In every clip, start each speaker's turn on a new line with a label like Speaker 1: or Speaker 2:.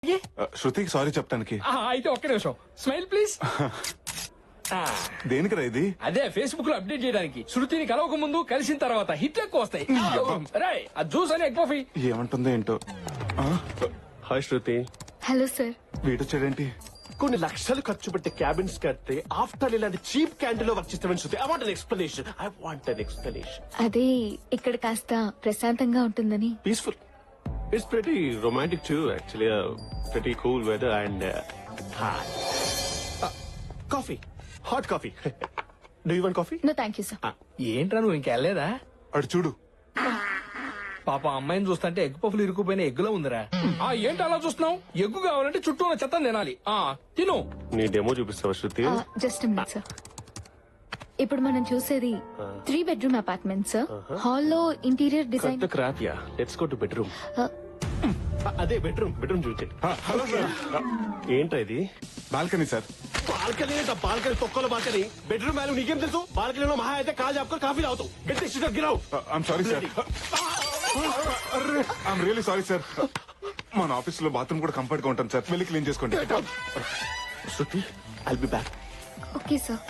Speaker 1: శృతికి సారీ చెప్తానికి.
Speaker 2: అయితే ఒక్క నిమిషం స్మైల్ ప్లీజ్.
Speaker 1: దేనికిరా ఇది?
Speaker 2: అదే ఫేస్బుక్ లో అప్డేట్ చేయడానికి. శృతిని కలవక ముందు కలిసిన తర్వాత హిట్లు ఎక్కువ వస్తాయి. రాయ్ ఆ జ్యూస్ అని ఎగ్ పఫీ.
Speaker 1: ఏమంటుందో ఏంటో.
Speaker 3: హాయ్ శృతి.
Speaker 4: Hello sir.
Speaker 1: వీడొచ్చాడేంటి?
Speaker 3: కొన్ని లక్షలు ఖర్చు పెట్టి క్యాబిన్స్ కడితే ఆఫ్టర్ ఇలాంటి చీప్ క్యాంటీన్ లో వర్క్ చేస్తామని Shruti. I want an explanation. I want an explanation.
Speaker 4: అదే ఇక్కడ కాస్త ప్రశాంతంగా ఉంటుందని.
Speaker 3: Peaceful. It's pretty romantic too actually. Pretty cool weather and coffee. Hot coffee. Do you want coffee?
Speaker 4: No thank you sir.
Speaker 2: ఏంట్రా నువ్వు ఇంకెళ్ళలేదా?
Speaker 1: అడు చూడు.
Speaker 2: పాప అమ్మాయిని చూస్తుంటే ఎగ్ పఫ్లు ఇరుక్కుపోయిన ఎగ్గులో ఉందిరా. ఏంటి అలా చూస్తున్నావు? ఎగ్గు కావాలంటే చుట్టూ ఉన్న చెత్త తినాలి. తిను.
Speaker 3: నీ డెమో చూపిస్తావా శృతి?
Speaker 4: Just minute sir. ఇప్పుడు మనం చూసేది 3 bedroom అపార్ట్మెంట్ సార్. హాల్లో ఇంటీరియర్ డిజైన్.
Speaker 3: కొత్త crop yeah. Let's go to bedroom. అదే బెడ్రూమ్. బెడ్రూమ్ చూపించండి.
Speaker 1: Hello sir.
Speaker 3: ఏంట్రా ఇది?
Speaker 1: Balcony sir.
Speaker 3: బాల్కనీ ఏంట? బాల్కనీ తొక్కల బాల్కనీ. బెడ్రూమ్ వాల్యూ నీకేం తెలుసు? బాల్కనీలో మహా అయితే కాల్ చెప్పుకొని కాఫీ తాగుతావు. గట్టి సిటర్ గిరావు.
Speaker 1: I'm sorry sir. I'm really sorry sir. మన ఆఫీస్ లో బాత్రూమ్ కూడా కంఫర్ట్ గా ఉంటాను సార్. వెళ్ళి క్లీన్ చేసుకోండి.
Speaker 3: Shruti I'll be back.
Speaker 4: Okay sir.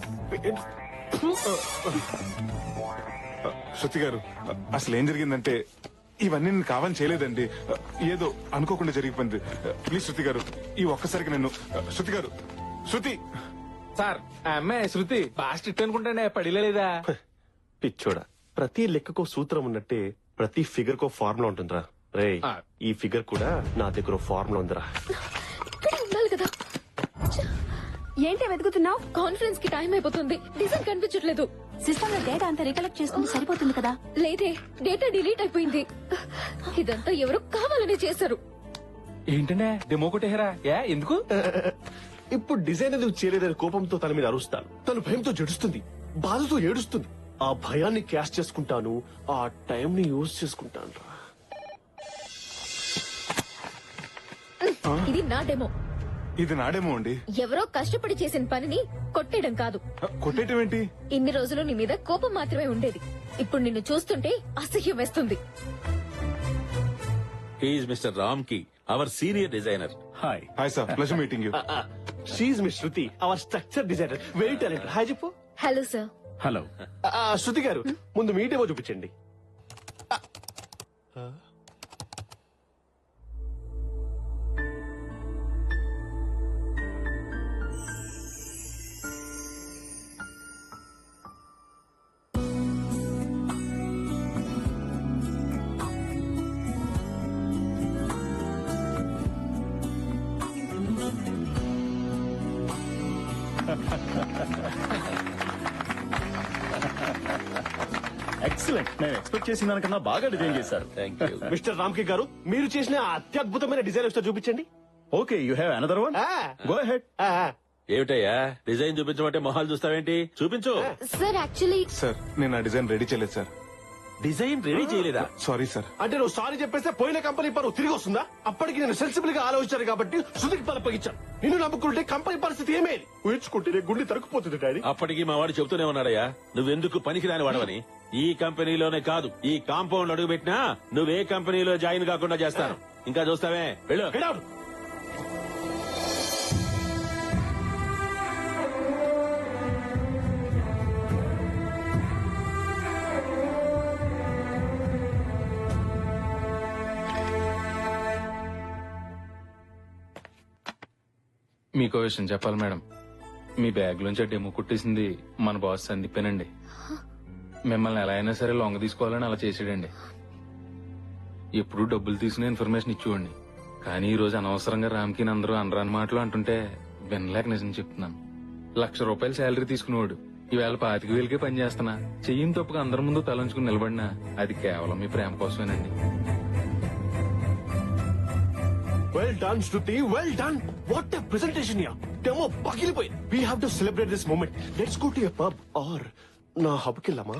Speaker 1: Shruti గారు, అసలు ఏం జరిగిందంటే ఇవన్నీ నేను కావాలని చేయలేదండి. ఏదో అనుకోకుండా జరిగిపోయింది. ప్లీజ్ శృతి గారు, ఈ ఒక్కసారికి నన్ను. శృతి గారు, శృతి.
Speaker 2: సార్ ఆ అమ్మాయి శృతి బాగా స్ట్రిక్ట్ అనుకుంటానే పడిలేదా?
Speaker 3: పిచ్చోడా, ప్రతి లెక్కకో సూత్రం ఉన్నట్టే ప్రతి ఫిగర్ కో ఫార్ములా ఉంటుందిరా. రే ఈ ఫిగర్ కూడా నా దగ్గర ఫార్ములా ఉందిరా.
Speaker 4: ఇక్కడ ఉండాలి కదా.
Speaker 5: ఏంటి వెతుకుతున్నావు?
Speaker 4: కాన్ఫరెన్స్ కి టైం అయిపోతుంది. డిజైన్ కనిపించట్లేదు.
Speaker 5: సిస్టమ్ లో డేటా అంతా రికలెక్ట్ చేసుకుంటే సరిపోతుంది కదా.
Speaker 4: లేదే, డేటా డిలీట్ అయిపోయింది. ఇదంతా ఎవరో కావాలని చేశారు.
Speaker 2: ఏంటనే డెమో కొట్టేహరా? ఎందుకు?
Speaker 3: ఇప్పుడు డిజైన్ ఎందుకు చేయలేదని కోపంతో తన మీద అరుస్తాను. తను భయంతో జడుస్తుంది, బాధతో ఏడుస్తుంది. ఆ భయాన్ని క్యాష్ చేసుకుంటాను, ఆ టైం ని యూజ్ చేసుకుంటాను రా.
Speaker 4: ఇది నా డెమో.
Speaker 1: ఇది నాడేమో అండి.
Speaker 4: ఎవరో కష్టపడి చేసిన పనిని కొట్టేయడం కాదు.
Speaker 1: కొట్టేయటం ఏంటి?
Speaker 4: ఇన్ని రోజులు నీ మీద కోపం మాత్రమే ఉండేది. ఇప్పుడు నిన్ను చూస్తుంటే అసహ్యం వేస్తుంది.
Speaker 6: He is Mr. Ramki, our senior designer.
Speaker 3: Hi.
Speaker 1: Hi sir, pleasure meeting you.
Speaker 3: She miss Shruti, our structure designer, very talent. Hi చెప్పు.
Speaker 4: Hello sir.
Speaker 3: హలో. శృతి గారు, ముందు మీ డెమో చూపించండి.
Speaker 7: ఎక్సలెంట్. నేను ఎక్స్పెక్ట్ చేసిన దానికన్నా బాగా డిజైన్ చేశారు.
Speaker 6: Thank you.
Speaker 3: మిస్టర్ రామ్కి గారు, మీరు చేసిన ఆ అత్యద్భుతమైన డిజైన్ ఒకసారి చూపించండి.
Speaker 7: Okay, you have another one. Go ahead.
Speaker 6: ఏమిటయ్యా డిజైన్ చూపించమంటే మొహాలు చూస్తావేంటి? చూపించు.
Speaker 4: సార్ యాక్చువల్లీ
Speaker 1: సార్, నేను ఆ డిజైన్ రెడీ చేయలేదు సార్.
Speaker 6: డిజైన్ రెడీ చేయలేదా?
Speaker 1: Sorry sir.
Speaker 3: అంటే నువ్వు సారీ చెప్పేస్తే పోయిన కంపెనీ పరువు తిరిగి వస్తుందా? అప్పటికి నేను సెన్సిబుల్ గా ఆలోచించాను కాబట్టి శృతికి పలపగించాను. నిన్ను నమ్ముకుంటే కంపెనీ పరిస్థితి ఏమేది? ఊహించుకుంటే గుండె తరుక్కుపోతుంది డాడీ.
Speaker 6: అప్పటికి మా వాడు చెబుతూనే ఉన్నాడయ్యా, నువ్వెందుకు పనికిరాని వాడవని. ఈ కంపెనీలోనే కాదు, ఈ కాంపౌండ్ అడుగు పెట్టినా నువ్వే కంపెనీలో జాయిన్ కాకుండా చేస్తాను. ఇంకా చూస్తావే, వెళ్ళు.
Speaker 3: Get out.
Speaker 2: మీకో విషయం చెప్పాలి మేడం. మీ బ్యాగ్ లోంచి డెమో కుట్టేసింది మన బాస్ సందీపేనండి. మిమ్మల్ని ఎలా అయినా సరే లొంగ తీసుకోవాలని అలా చేసాడండి. ఎప్పుడు డబ్బులు తీసుకునే ఇన్ఫర్మేషన్ ఇచ్చేవాడిని. కానీ ఈ రోజు అనవసరంగా రామ్కి అందరూ అనరాని మాటలు అంటుంటే వినలేక నిజం చెప్తున్నాను. ₹1,00,000 శాలరీ తీసుకునేవాడు ఈవేళ 25,000కే పని చేస్తున్నా. చెయ్యిని తప్పుగా అందరి ముందు తలంచుకుని నిలబడినా అది కేవలం మీ ప్రేమ కోసమేనండి.
Speaker 3: Well done, Shruti. Well done. What a presentation here. Demo పగిలిపోయింది. We have to celebrate this moment. Let's go to a pub or నా హబ్ కి వెళ్దామా?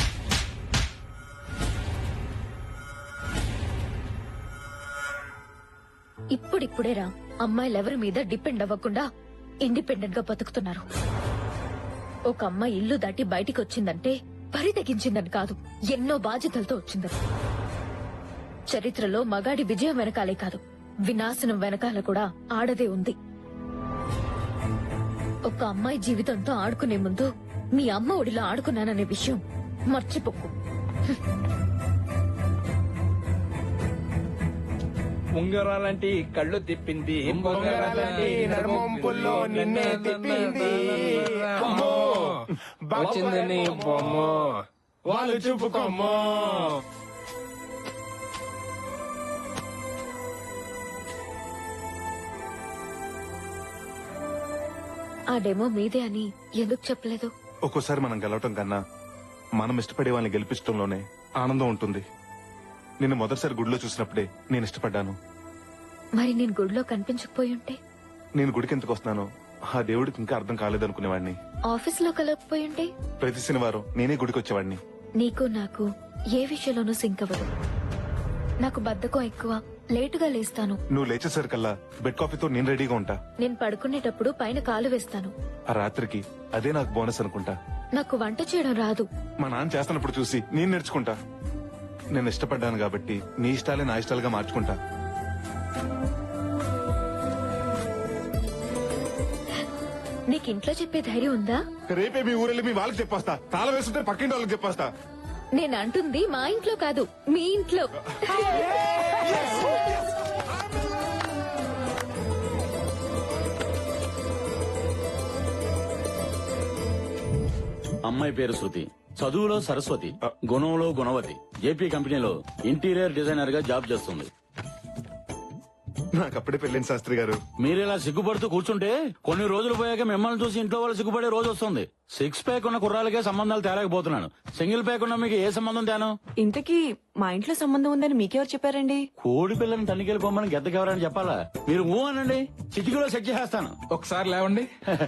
Speaker 4: ఇప్పుడిప్పుడేరా అమ్మాయిలెవరి మీద డిపెండ్ అవ్వకుండా ఇండిపెండెంట్ గా బతుకుతున్నారు. ఒక అమ్మాయి ఇల్లు దాటి బయటికి వచ్చిందంటే పరి తెగించిందని కాదు, ఎన్నో బాధ్యతలతో వచ్చిందని. చరిత్రలో మగాడి విజయం వెనకాలే కాదు, వినాశనం వెనకాల కూడా ఆడదే ఉంది. ఒక అమ్మాయి జీవితంతో ఆడుకునే ముందు మీ అమ్మ ఒడిలో ఆడుకున్నాననే విషయం మర్చిపోకు.
Speaker 8: ఉంగరాలంటి కళ్ళు తిప్పింది, ఉంగరాలంటి నడుమొంపుల్లో నిన్నే తిప్పింది. అమ్మో, వచ్చింది నీ బొమ్మ, వాళ్ళు చూపుకోమ్మో.
Speaker 4: ఆ డెమో మీదే అని ఎందుకు చెప్పలేదు?
Speaker 1: ఒక్కోసారి మనం గెలవటం కన్నా మనం ఇష్టపడే వాళ్ళని గెలిపించడంలోనే ఆనందం ఉంటుంది. నిన్ను మొదటిసారి గుడిలో చూసినప్పుడే నేను ఇష్టపడ్డాను.
Speaker 4: మరి నేను గుడిలో కనిపించకపోయి ఉంటే?
Speaker 1: నేను గుడికి ఎందుకు వస్తున్నానో ఆ దేవుడికి ఇంకా అర్థం కాలేదనుకునేవాడిని.
Speaker 4: ఆఫీస్ లో కలగకపోయి ఉంటే?
Speaker 1: ప్రతి శనివారం నేనే గుడికి వచ్చేవాడిని.
Speaker 4: నీకు నాకు ఏ విషయంలోనూ సింక్ అవ్వదు. నాకు బద్ధకం ఎక్కువ, లేటుగా లేస్తాను.
Speaker 1: నువ్వు లేచేసరికల్లా బెడ్ కాఫీతో నేను రెడీగా ఉంటా.
Speaker 4: నేను పడుకునేటప్పుడు పైన కాలు వేస్తాను.
Speaker 1: ఆ రాత్రికి అదే నాకు బోనస్ అనుకుంటా.
Speaker 4: నాకు వంట చేయడం రాదు.
Speaker 1: మా నాన్న చేస్తున్నప్పుడు చూసి నేను నేర్చుకుంటా. నేను ఇష్టపడ్డాను కాబట్టి నీ ఇష్టాలే నా ఇష్టాలుగా మార్చుకుంటా.
Speaker 4: నీకు ఇంట్లో చెప్పే ధైర్యం ఉందా?
Speaker 1: రేపే మీ ఊరెళ్ళి మీ వాళ్ళకి చెప్పేస్తా. తాళం వేస్తుంటే పక్కింటి వాళ్ళకి చెప్పేస్తా.
Speaker 4: నేను అంటుంది మా ఇంట్లో కాదు, మీ ఇంట్లో.
Speaker 6: అమ్మాయి పేరు శృతి, చదువులో సరస్వతి, గుణంలో గుణవతి. జేపీ కంపెనీలో ఇంటీరియర్ డిజైనర్ గా జాబ్ చేస్తుంది.
Speaker 1: నాకు అప్పుడే పెళ్ళింది శాస్త్రి గారు.
Speaker 6: మీరిలా సిగ్గుపడుతూ కూర్చుంటే కొన్ని రోజులు పోయాక మిమ్మల్ని చూసి ఇంట్లో వాళ్ళు సిగ్గుపడే రోజు వస్తుంది. 6 ప్యాక్ ఉన్న కుర్రాలకే సంబంధాలు తేలేకపోతున్నాను. సింగిల్ ప్యాక్ ఉన్న మీకు ఏ సంబంధం తేను?
Speaker 5: ఇంతకీ మా ఇంట్లో సంబంధం ఉందని మీకెవరు చెప్పారండి?
Speaker 6: కోడి పిల్లని తనిఖీలు పొమ్మని గెద్దకెవరని చెప్పాలా? మీరు ఊ అనండి, చిటికలో సెట్ చేసేస్తాను.
Speaker 8: ఒకసారి లేవండి.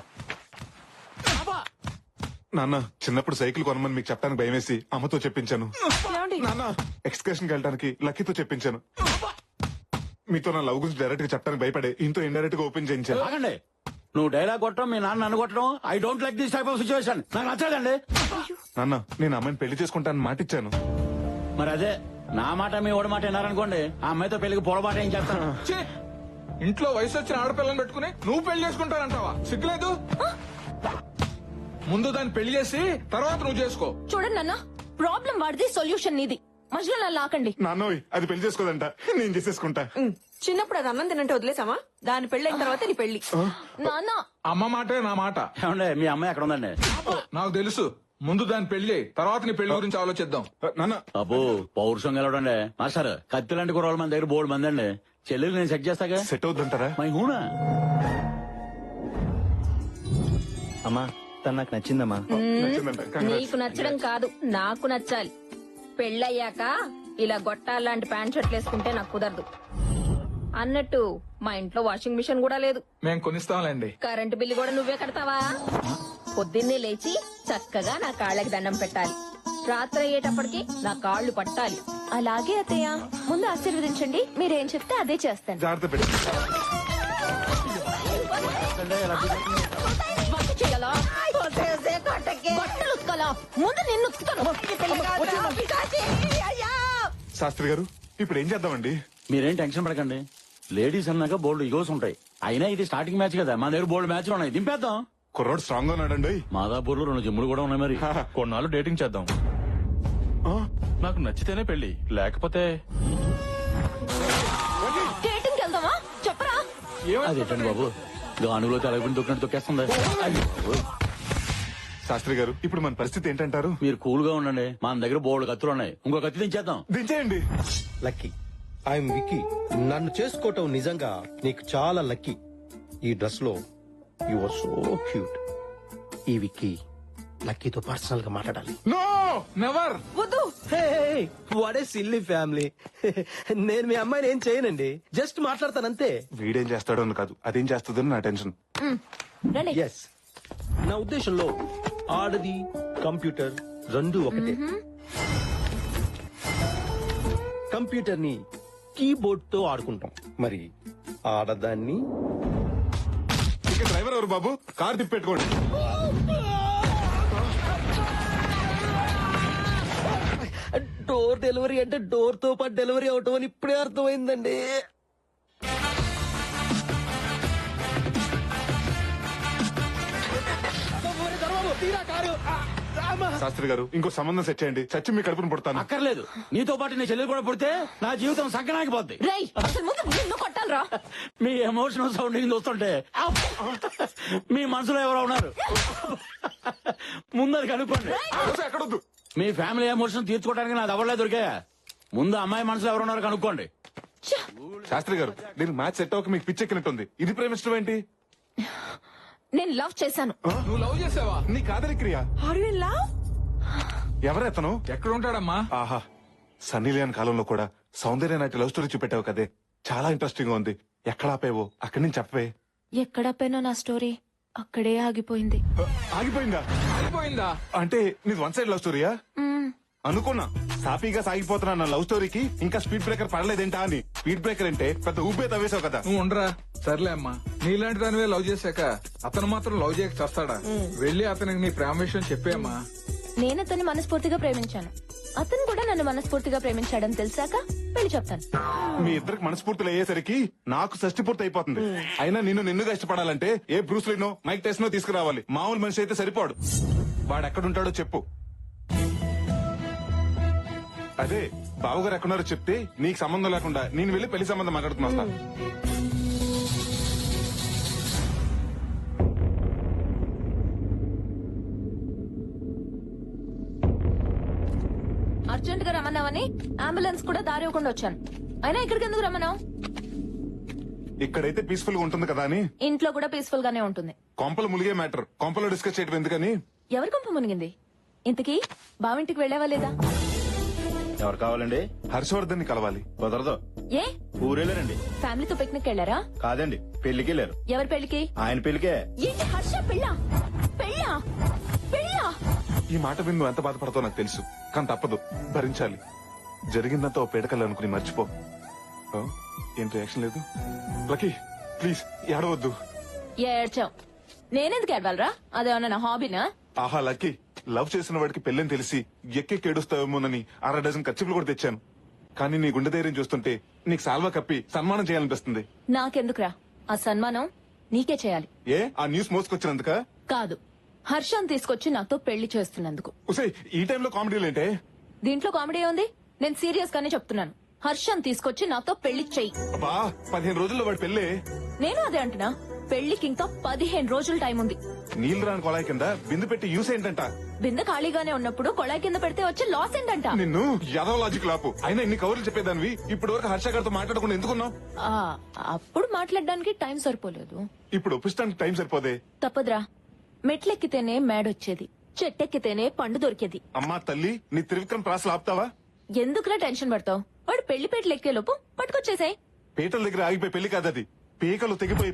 Speaker 1: నాన్న, చిన్నప్పుడు సైకిల్ కొనమని మీకు చెప్పడానికి భయమేసి అమ్మతో చెప్పించాను. నాన్న, ఎక్స్కర్షన్ కి వెళ్ళడానికి లక్కీతో చెప్పించాను. మీతో నా లవ్ గురించి డైరెక్ట్ గా చెప్పడానికి భయపడే ఇంతో ఇండైరెక్ట్ గా ఓపెన్ చేయించాను.
Speaker 6: ఆగండి, నువ్వు డైలాగ్ కొట్టడం, మీ నాన్న నన్ను కొట్టడం, I don't like this type of situation. నాకు నచ్చదండి.
Speaker 1: నాన్న, నేను అమ్మాయిని పెళ్లి చేసుకుంటానని మాటిచ్చాను.
Speaker 6: మరి అదే నా మాట మీ ఓడి మాట విన్నారనుకోండి, ఆ అమ్మాయితో పెళ్లికి పొరపాటు ఏం చేస్తాను.
Speaker 8: ఛీ! ఇంట్లో వయసు వచ్చిన ఆడపిల్లని పెట్టుకుని నువ్వు పెళ్లి చేసుకుంటానంటావా? సిగ్గులేదు? ముందు దాన్ని పెళ్లి చేసి తర్వాత నువ్వు చేసుకో.
Speaker 4: చూడండి నాన్న, ప్రాబ్లం వాడిది, సొల్యూషన్ నీది. మధ్యలో నన్ను లాకండి.
Speaker 1: నాన్నోయ్, అది పెళ్లి చేసుకోదంట, నేను చేసేసుకుంటా.
Speaker 5: చిన్నప్పుడు అది అన్నం తినంటే వదిలేసామా? దాని పెళ్ళైన తర్వాత నీ పెళ్లి.
Speaker 4: నాన్న,
Speaker 8: అమ్మ మాటే నా మాట.
Speaker 6: ఏమండి, మీ అమ్మాయి ఎక్కడ ఉందండి?
Speaker 8: నాకు తెలుసు. ముందు దాని పెళ్లి, తర్వాత నీ పెళ్లి గురించి ఆలోచిద్దాం.
Speaker 1: నాన్న,
Speaker 6: అబ్బో, పౌరుషం గెలవడండి. మాస్టర్, కత్తి లాంటి కుర్రాళ్ళు మన దగ్గర బోర్డు మంది అండి. చెల్లెలు నేను సెట్ చేస్తాగా.
Speaker 1: సెట్ అవుతుంటారా?
Speaker 6: మై హూనా?
Speaker 7: అమ్మా, తను నాకు నచ్చిందమ్మా.
Speaker 1: నచ్చిందంట. Congrats.
Speaker 4: నీకు నచ్చడం కాదు, నాకు నచ్చాలి. పెళ్ళయ్యాక ఇలా గొట్టాలాంటి ప్యాంట్ షర్ట్లు వేసుకుంటే నాకు కుదరదు. అన్నట్టు మా ఇంట్లో వాషింగ్ మిషన్ కూడా లేదు.
Speaker 8: మేం కొనిస్తాంలేండి.
Speaker 4: కరెంటు బిల్లు కూడా నువ్వే కడతావా? పొద్దున్నే లేచి చక్కగా నా కాళ్ళకి దండం పెట్టాలి. రాత్రి అయ్యేటప్పటికి నా కాళ్ళు పట్టాలి. అలాగే అత్తయ్య, ముందు ఆశీర్వదించండి. మీరేం చెప్తే అదే చేస్తాను.
Speaker 1: జాగ్రత్త పెట్టి.
Speaker 4: వంట చేయాలా? బట్టలు ఉతకాలా? ముందు నిన్ను ఉతుకుతాను.
Speaker 1: శాస్త్రి గారు, ఇప్పుడు ఏం చేద్దామండి?
Speaker 6: మీరేం టెన్షన్ పడకండి. లేడీస్ అన్నాక బోల్డ్ ఈగోస్ ఉంటాయి. అయినా ఇది స్టార్టింగ్ మ్యాచ్ కదా, మా దగ్గర బోల్డ్ మ్యాచ్లు ఉన్నాయి. దింపేద్దాం.
Speaker 1: కుర్రోడు స్ట్రాంగ్ గా ఉన్నాడండి.
Speaker 6: మాదాపూర్ లో 2 జిమ్ములు కూడా ఉన్నాయి. మరి
Speaker 2: కొన్నాళ్ళు డేటింగ్ చేద్దాం. నాకు నచ్చితేనే పెళ్లి, లేకపోతే
Speaker 4: డేటింగ్ వెళ్దామా? చెప్పరా?
Speaker 6: అదేంటండి బాబు, గానుగులో తెలగకుండా దొక్కినట్టు తొక్కేస్తుంది.
Speaker 1: శాస్త్రి గారు, ఇప్పుడు మన పరిస్థితి ఏంటంటారు?
Speaker 6: మీరు కూల్ గా ఉండండి, మన దగ్గర బోల్డ్ కత్తులు ఉన్నాయి. ఇంకో కత్తి దించేద్దాం.
Speaker 1: దించేయండి.
Speaker 9: Lucky, I'm Vicky. నన్ను చేసుకోవటం నిజంగా నీకు చాలా లక్కీ. ఈ డ్రెస్ లో యు ఆర్ సో క్యూట్. ఈ విక్కీ లక్కీతో పర్సనల్ గా మాట్లాడాలి.
Speaker 8: No, never.
Speaker 9: What a silly family. నేను మీ అమ్మాయిని ఏం చేయనండి, జస్ట్ మాట్లాడతానంతే.
Speaker 1: వీడేం చేస్తాడో అని కాదు, అదేం చేస్తుందో నా టెన్షన్.
Speaker 4: రండి.
Speaker 9: ఎస్, నా ఉద్దేశంలో ఆడది కంప్యూటర్ రెండు ఒకటే. కంప్యూటర్ ని కీబోర్డ్ తో ఆడుకుంటాం, మరి ఆడదాన్ని
Speaker 1: ఇక డ్రైవర్ ఎవరు బాబు? కార్ తిప్పెట్టుకోండి.
Speaker 9: డోర్ డెలివరీ అంటే డోర్ తో పాటు డెలివరీ అవటం అని ఇప్పుడే అర్థమైందండి.
Speaker 3: తీరా కారు
Speaker 1: శాస్త్రి గారు ఇంకో సంబంధం సెట్ చేయండి, చచ్చి మీ కడుపును పుడతాను.
Speaker 6: అక్కర్లేదు, నీతో పాటు నీ చెల్లెలు కూడా పుడితే నా జీవితం సంకనాగిపోద్ది.
Speaker 4: రేయ్ అసలు ముందు నిన్ను కొట్టాలరా.
Speaker 6: మీ ఎమోషనల్ సౌండింగ్ చూస్తుంటే మీ మనసులో ఎవరో ఉన్నారు. ముందర కనుక్కోండి.
Speaker 1: ఎక్కడొద్దు.
Speaker 6: మీ ఫ్యామిలీ ఎమోషన్ తీర్చుకోవడానికి నాది ఎవరలే దొరికా. ముందు అమ్మాయి మనసులో ఎవరు ఉన్నారో కనుక్కోండి.
Speaker 1: శాస్త్రి గారు నేను మ్యాచ్ సెట్ అవ్వక మీకు పిచ్చెక్కినట్టుంది. ఇది ప్రేమిష్టం ఏంటి?
Speaker 4: నేను లవ్ చేశాను.
Speaker 8: నువ్వు లవ్ చేసావా?
Speaker 1: నీ కాదలి క్రియ.
Speaker 5: Are you in love?
Speaker 1: ఎవరెతను?
Speaker 8: ఎక్కడ ఉంటాడమ్మా?
Speaker 1: ఆహా, సన్నీ లియోన్ కాలంలో కూడా సౌందర్య నాటి లవ్ స్టోరీ చూపెట్టావు కదే, చాలా ఇంట్రెస్టింగ్ గా ఉంది. ఎక్కడ ఆపేవో అక్కడి నుంచి చెప్పవే.
Speaker 4: ఎక్కడ పోయినా నా స్టోరీ అక్కడే ఆగిపోయింది.
Speaker 1: ఆగిపోయిందా?
Speaker 8: అయిపోయిందా?
Speaker 1: అంటే నీది వన్ సైడ్ లవ్ స్టోరీయా? అనుకున్నా సాఫీగా సాగిపోతున్నా నా లవ్ స్టోరీకి ఇంకా స్పీడ్ బ్రేకర్ పడలేదేంటా అని. స్పీడ్ బ్రేకర్ అంటే పెద్ద ఊపే తవ్వేశావు కదా.
Speaker 8: నువ్వు ఉండరా. సర్లే అమ్మా, నీలాంటి దానివే లవ్ చేశాక అతను మాత్రం లవ్ చేయక చేస్తాడా? వెళ్ళి అతనికి నీ ప్రేమ విషయం చెప్పేమ్మా.
Speaker 4: నేను అతన్ని మనస్ఫూర్తిగా ప్రేమించాను, అతను కూడా నన్ను మనస్ఫూర్తిగా ప్రేమించాడని తెలిసాక పెళ్లి చెప్తాను.
Speaker 1: మీ ఇద్దరికి మనస్ఫూర్తులు అయ్యేసరికి నాకు షష్టి పూర్తి అయిపోతుంది. అయినా నిన్నుగా ఇష్టపడాలంటే ఏ బ్రూస్లీనో మైక్ టెస్నో తీసుకురావాలి. మామూలు మనిషి అయితే సరిపోడు. వాడు ఎక్కడుంటాడో చెప్పు. అదే బావగారు ఎక్కడున్నారో చెప్తే నీకు సంబంధం లేకుండా నేను వెళ్ళి పెళ్లి సంబంధం మాట్లాడుతున్నా వస్తాను.
Speaker 4: అర్జెంట్ గా రమ్మన్నావని అంబులెన్స్ కూడా దారి ఇవ్వకుండా వచ్చాను. అయినా ఇక్కడికి ఎందుకు రమ్మన్నావు?
Speaker 1: ఇక్కడైతే పీస్ఫుల్ గా ఉంటుంది కదా అని.
Speaker 4: ఇంట్లో కూడా పీస్ఫుల్ గానే ఉంటుంది.
Speaker 1: కొంపలు ములిగే మ్యాటర్ కొంపలో డిస్కస్ చేయడం ఎందుకని.
Speaker 4: ఎవరి కొంప మునిగింది? ఇంతకీ బావింటికి వెళ్ళావా లేదా?
Speaker 7: ఎవరు కావాలండి?
Speaker 1: హర్షవర్ధన్ ని కలవాలి.
Speaker 7: కుదరదు.
Speaker 4: ఏ
Speaker 7: ఊరెళ్ళారండి.
Speaker 4: ఫ్యామిలీతో పిక్నిక్ వెళ్ళారా?
Speaker 7: కాదండి, పెళ్లికి వెళ్ళారు.
Speaker 4: ఎవరి పెళ్లికి?
Speaker 7: ఆయన పెళ్లికే.
Speaker 4: ఏంటి హర్ష పెళ్ళా? పెళ్ళా? పెళ్ళా?
Speaker 1: ఈ మాట విని నువ్వు ఎంత బాధపడతావు నాకు తెలుసు, కానీ తప్పదు, భరించాలి. జరిగిందంతా ఓ పేడకల్లా అనుకుని మర్చిపో. ఆ, ఏం రియాక్షన్ లేదు? లక్కీ ప్లీజ్ ఏడవద్దు.
Speaker 4: ఏడ్చావు. నేనెందుకు ఏడవాలరా? అదేమన్నా నా హాబీనా?
Speaker 1: ఆహా లక్కీ, లవ్ చేసిన వాడికి పెళ్ళని తెలిసి ఎక్కెక్కి ఏడుస్తావేమోనని 6 డజన్ ఖర్చులు కూడా తెచ్చాను. కానీ నీ గుండె ధైర్యం చూస్తుంటే నీకు సాల్వా కప్పి సన్మానం చేయాలనిపిస్తుంది.
Speaker 4: నాకెందుకురా ఆ సన్మానం? నీకే చేయాలి.
Speaker 1: ఏ ఆ న్యూస్ మోసుకొచ్చినందుక?
Speaker 4: కాదు, హర్షం తీసుకొచ్చి నాతో పెళ్లి చేస్తున్నందుకు.
Speaker 1: ఉసే ఈ టైంలో కామెడీలేంటే?
Speaker 4: దీంట్లో కామెడీ ఉంది? నేను సీరియస్ గానే చెప్తున్నాను. హర్షం తీసుకొచ్చి నాతో పెళ్లి చెయ్యి.
Speaker 1: అబ్బా 15 రోజుల్లో వాడి పెళ్ళే.
Speaker 4: నేను అదే అంటున్నా, పెళ్లికి ఇంకా 15 రోజులు టైం ఉంది.
Speaker 1: నీళ్లు రాని కొలాయి కింద బిందు పెట్టి యూస్ ఏంటంట?
Speaker 4: బిందె ఖాళీగానే ఉన్నప్పుడు కొళాయి కింద పెడితే వచ్చే లాస్ ఏంటంట?
Speaker 1: నిన్ను యాదవ లాజిక్ లాపు. అయినా ఇన్ని కవర్లు చెప్పేదానివి ఇప్పటి వరకు హర్ష గారితో మాట్లాడకుండా ఎందుకున్నావు?
Speaker 4: ఆ, అప్పుడు మాట్లాడడానికి టైం సరిపోలేదు.
Speaker 1: ఇప్పుడు ఒప్పిస్తానికి టైం సరిపోదే.
Speaker 4: తప్పదురా, మెట్లెక్కితేనే మేడొచ్చేది, చెట్టెక్కితేనే పండు దొరికేది.
Speaker 1: అమ్మా తల్లి, నీ త్రివిక్రమ్ ప్రాసలు ఆపుతావా?
Speaker 4: ఎందుకురా టెన్షన్ పడతావు? వాడు పెళ్లి పేటలు ఎక్కే లోపు పట్టుకొచ్చేసాయి.
Speaker 1: పీటల దగ్గర ఆగిపోయి పెళ్లి కాదది, పీకలు తెగిపోయి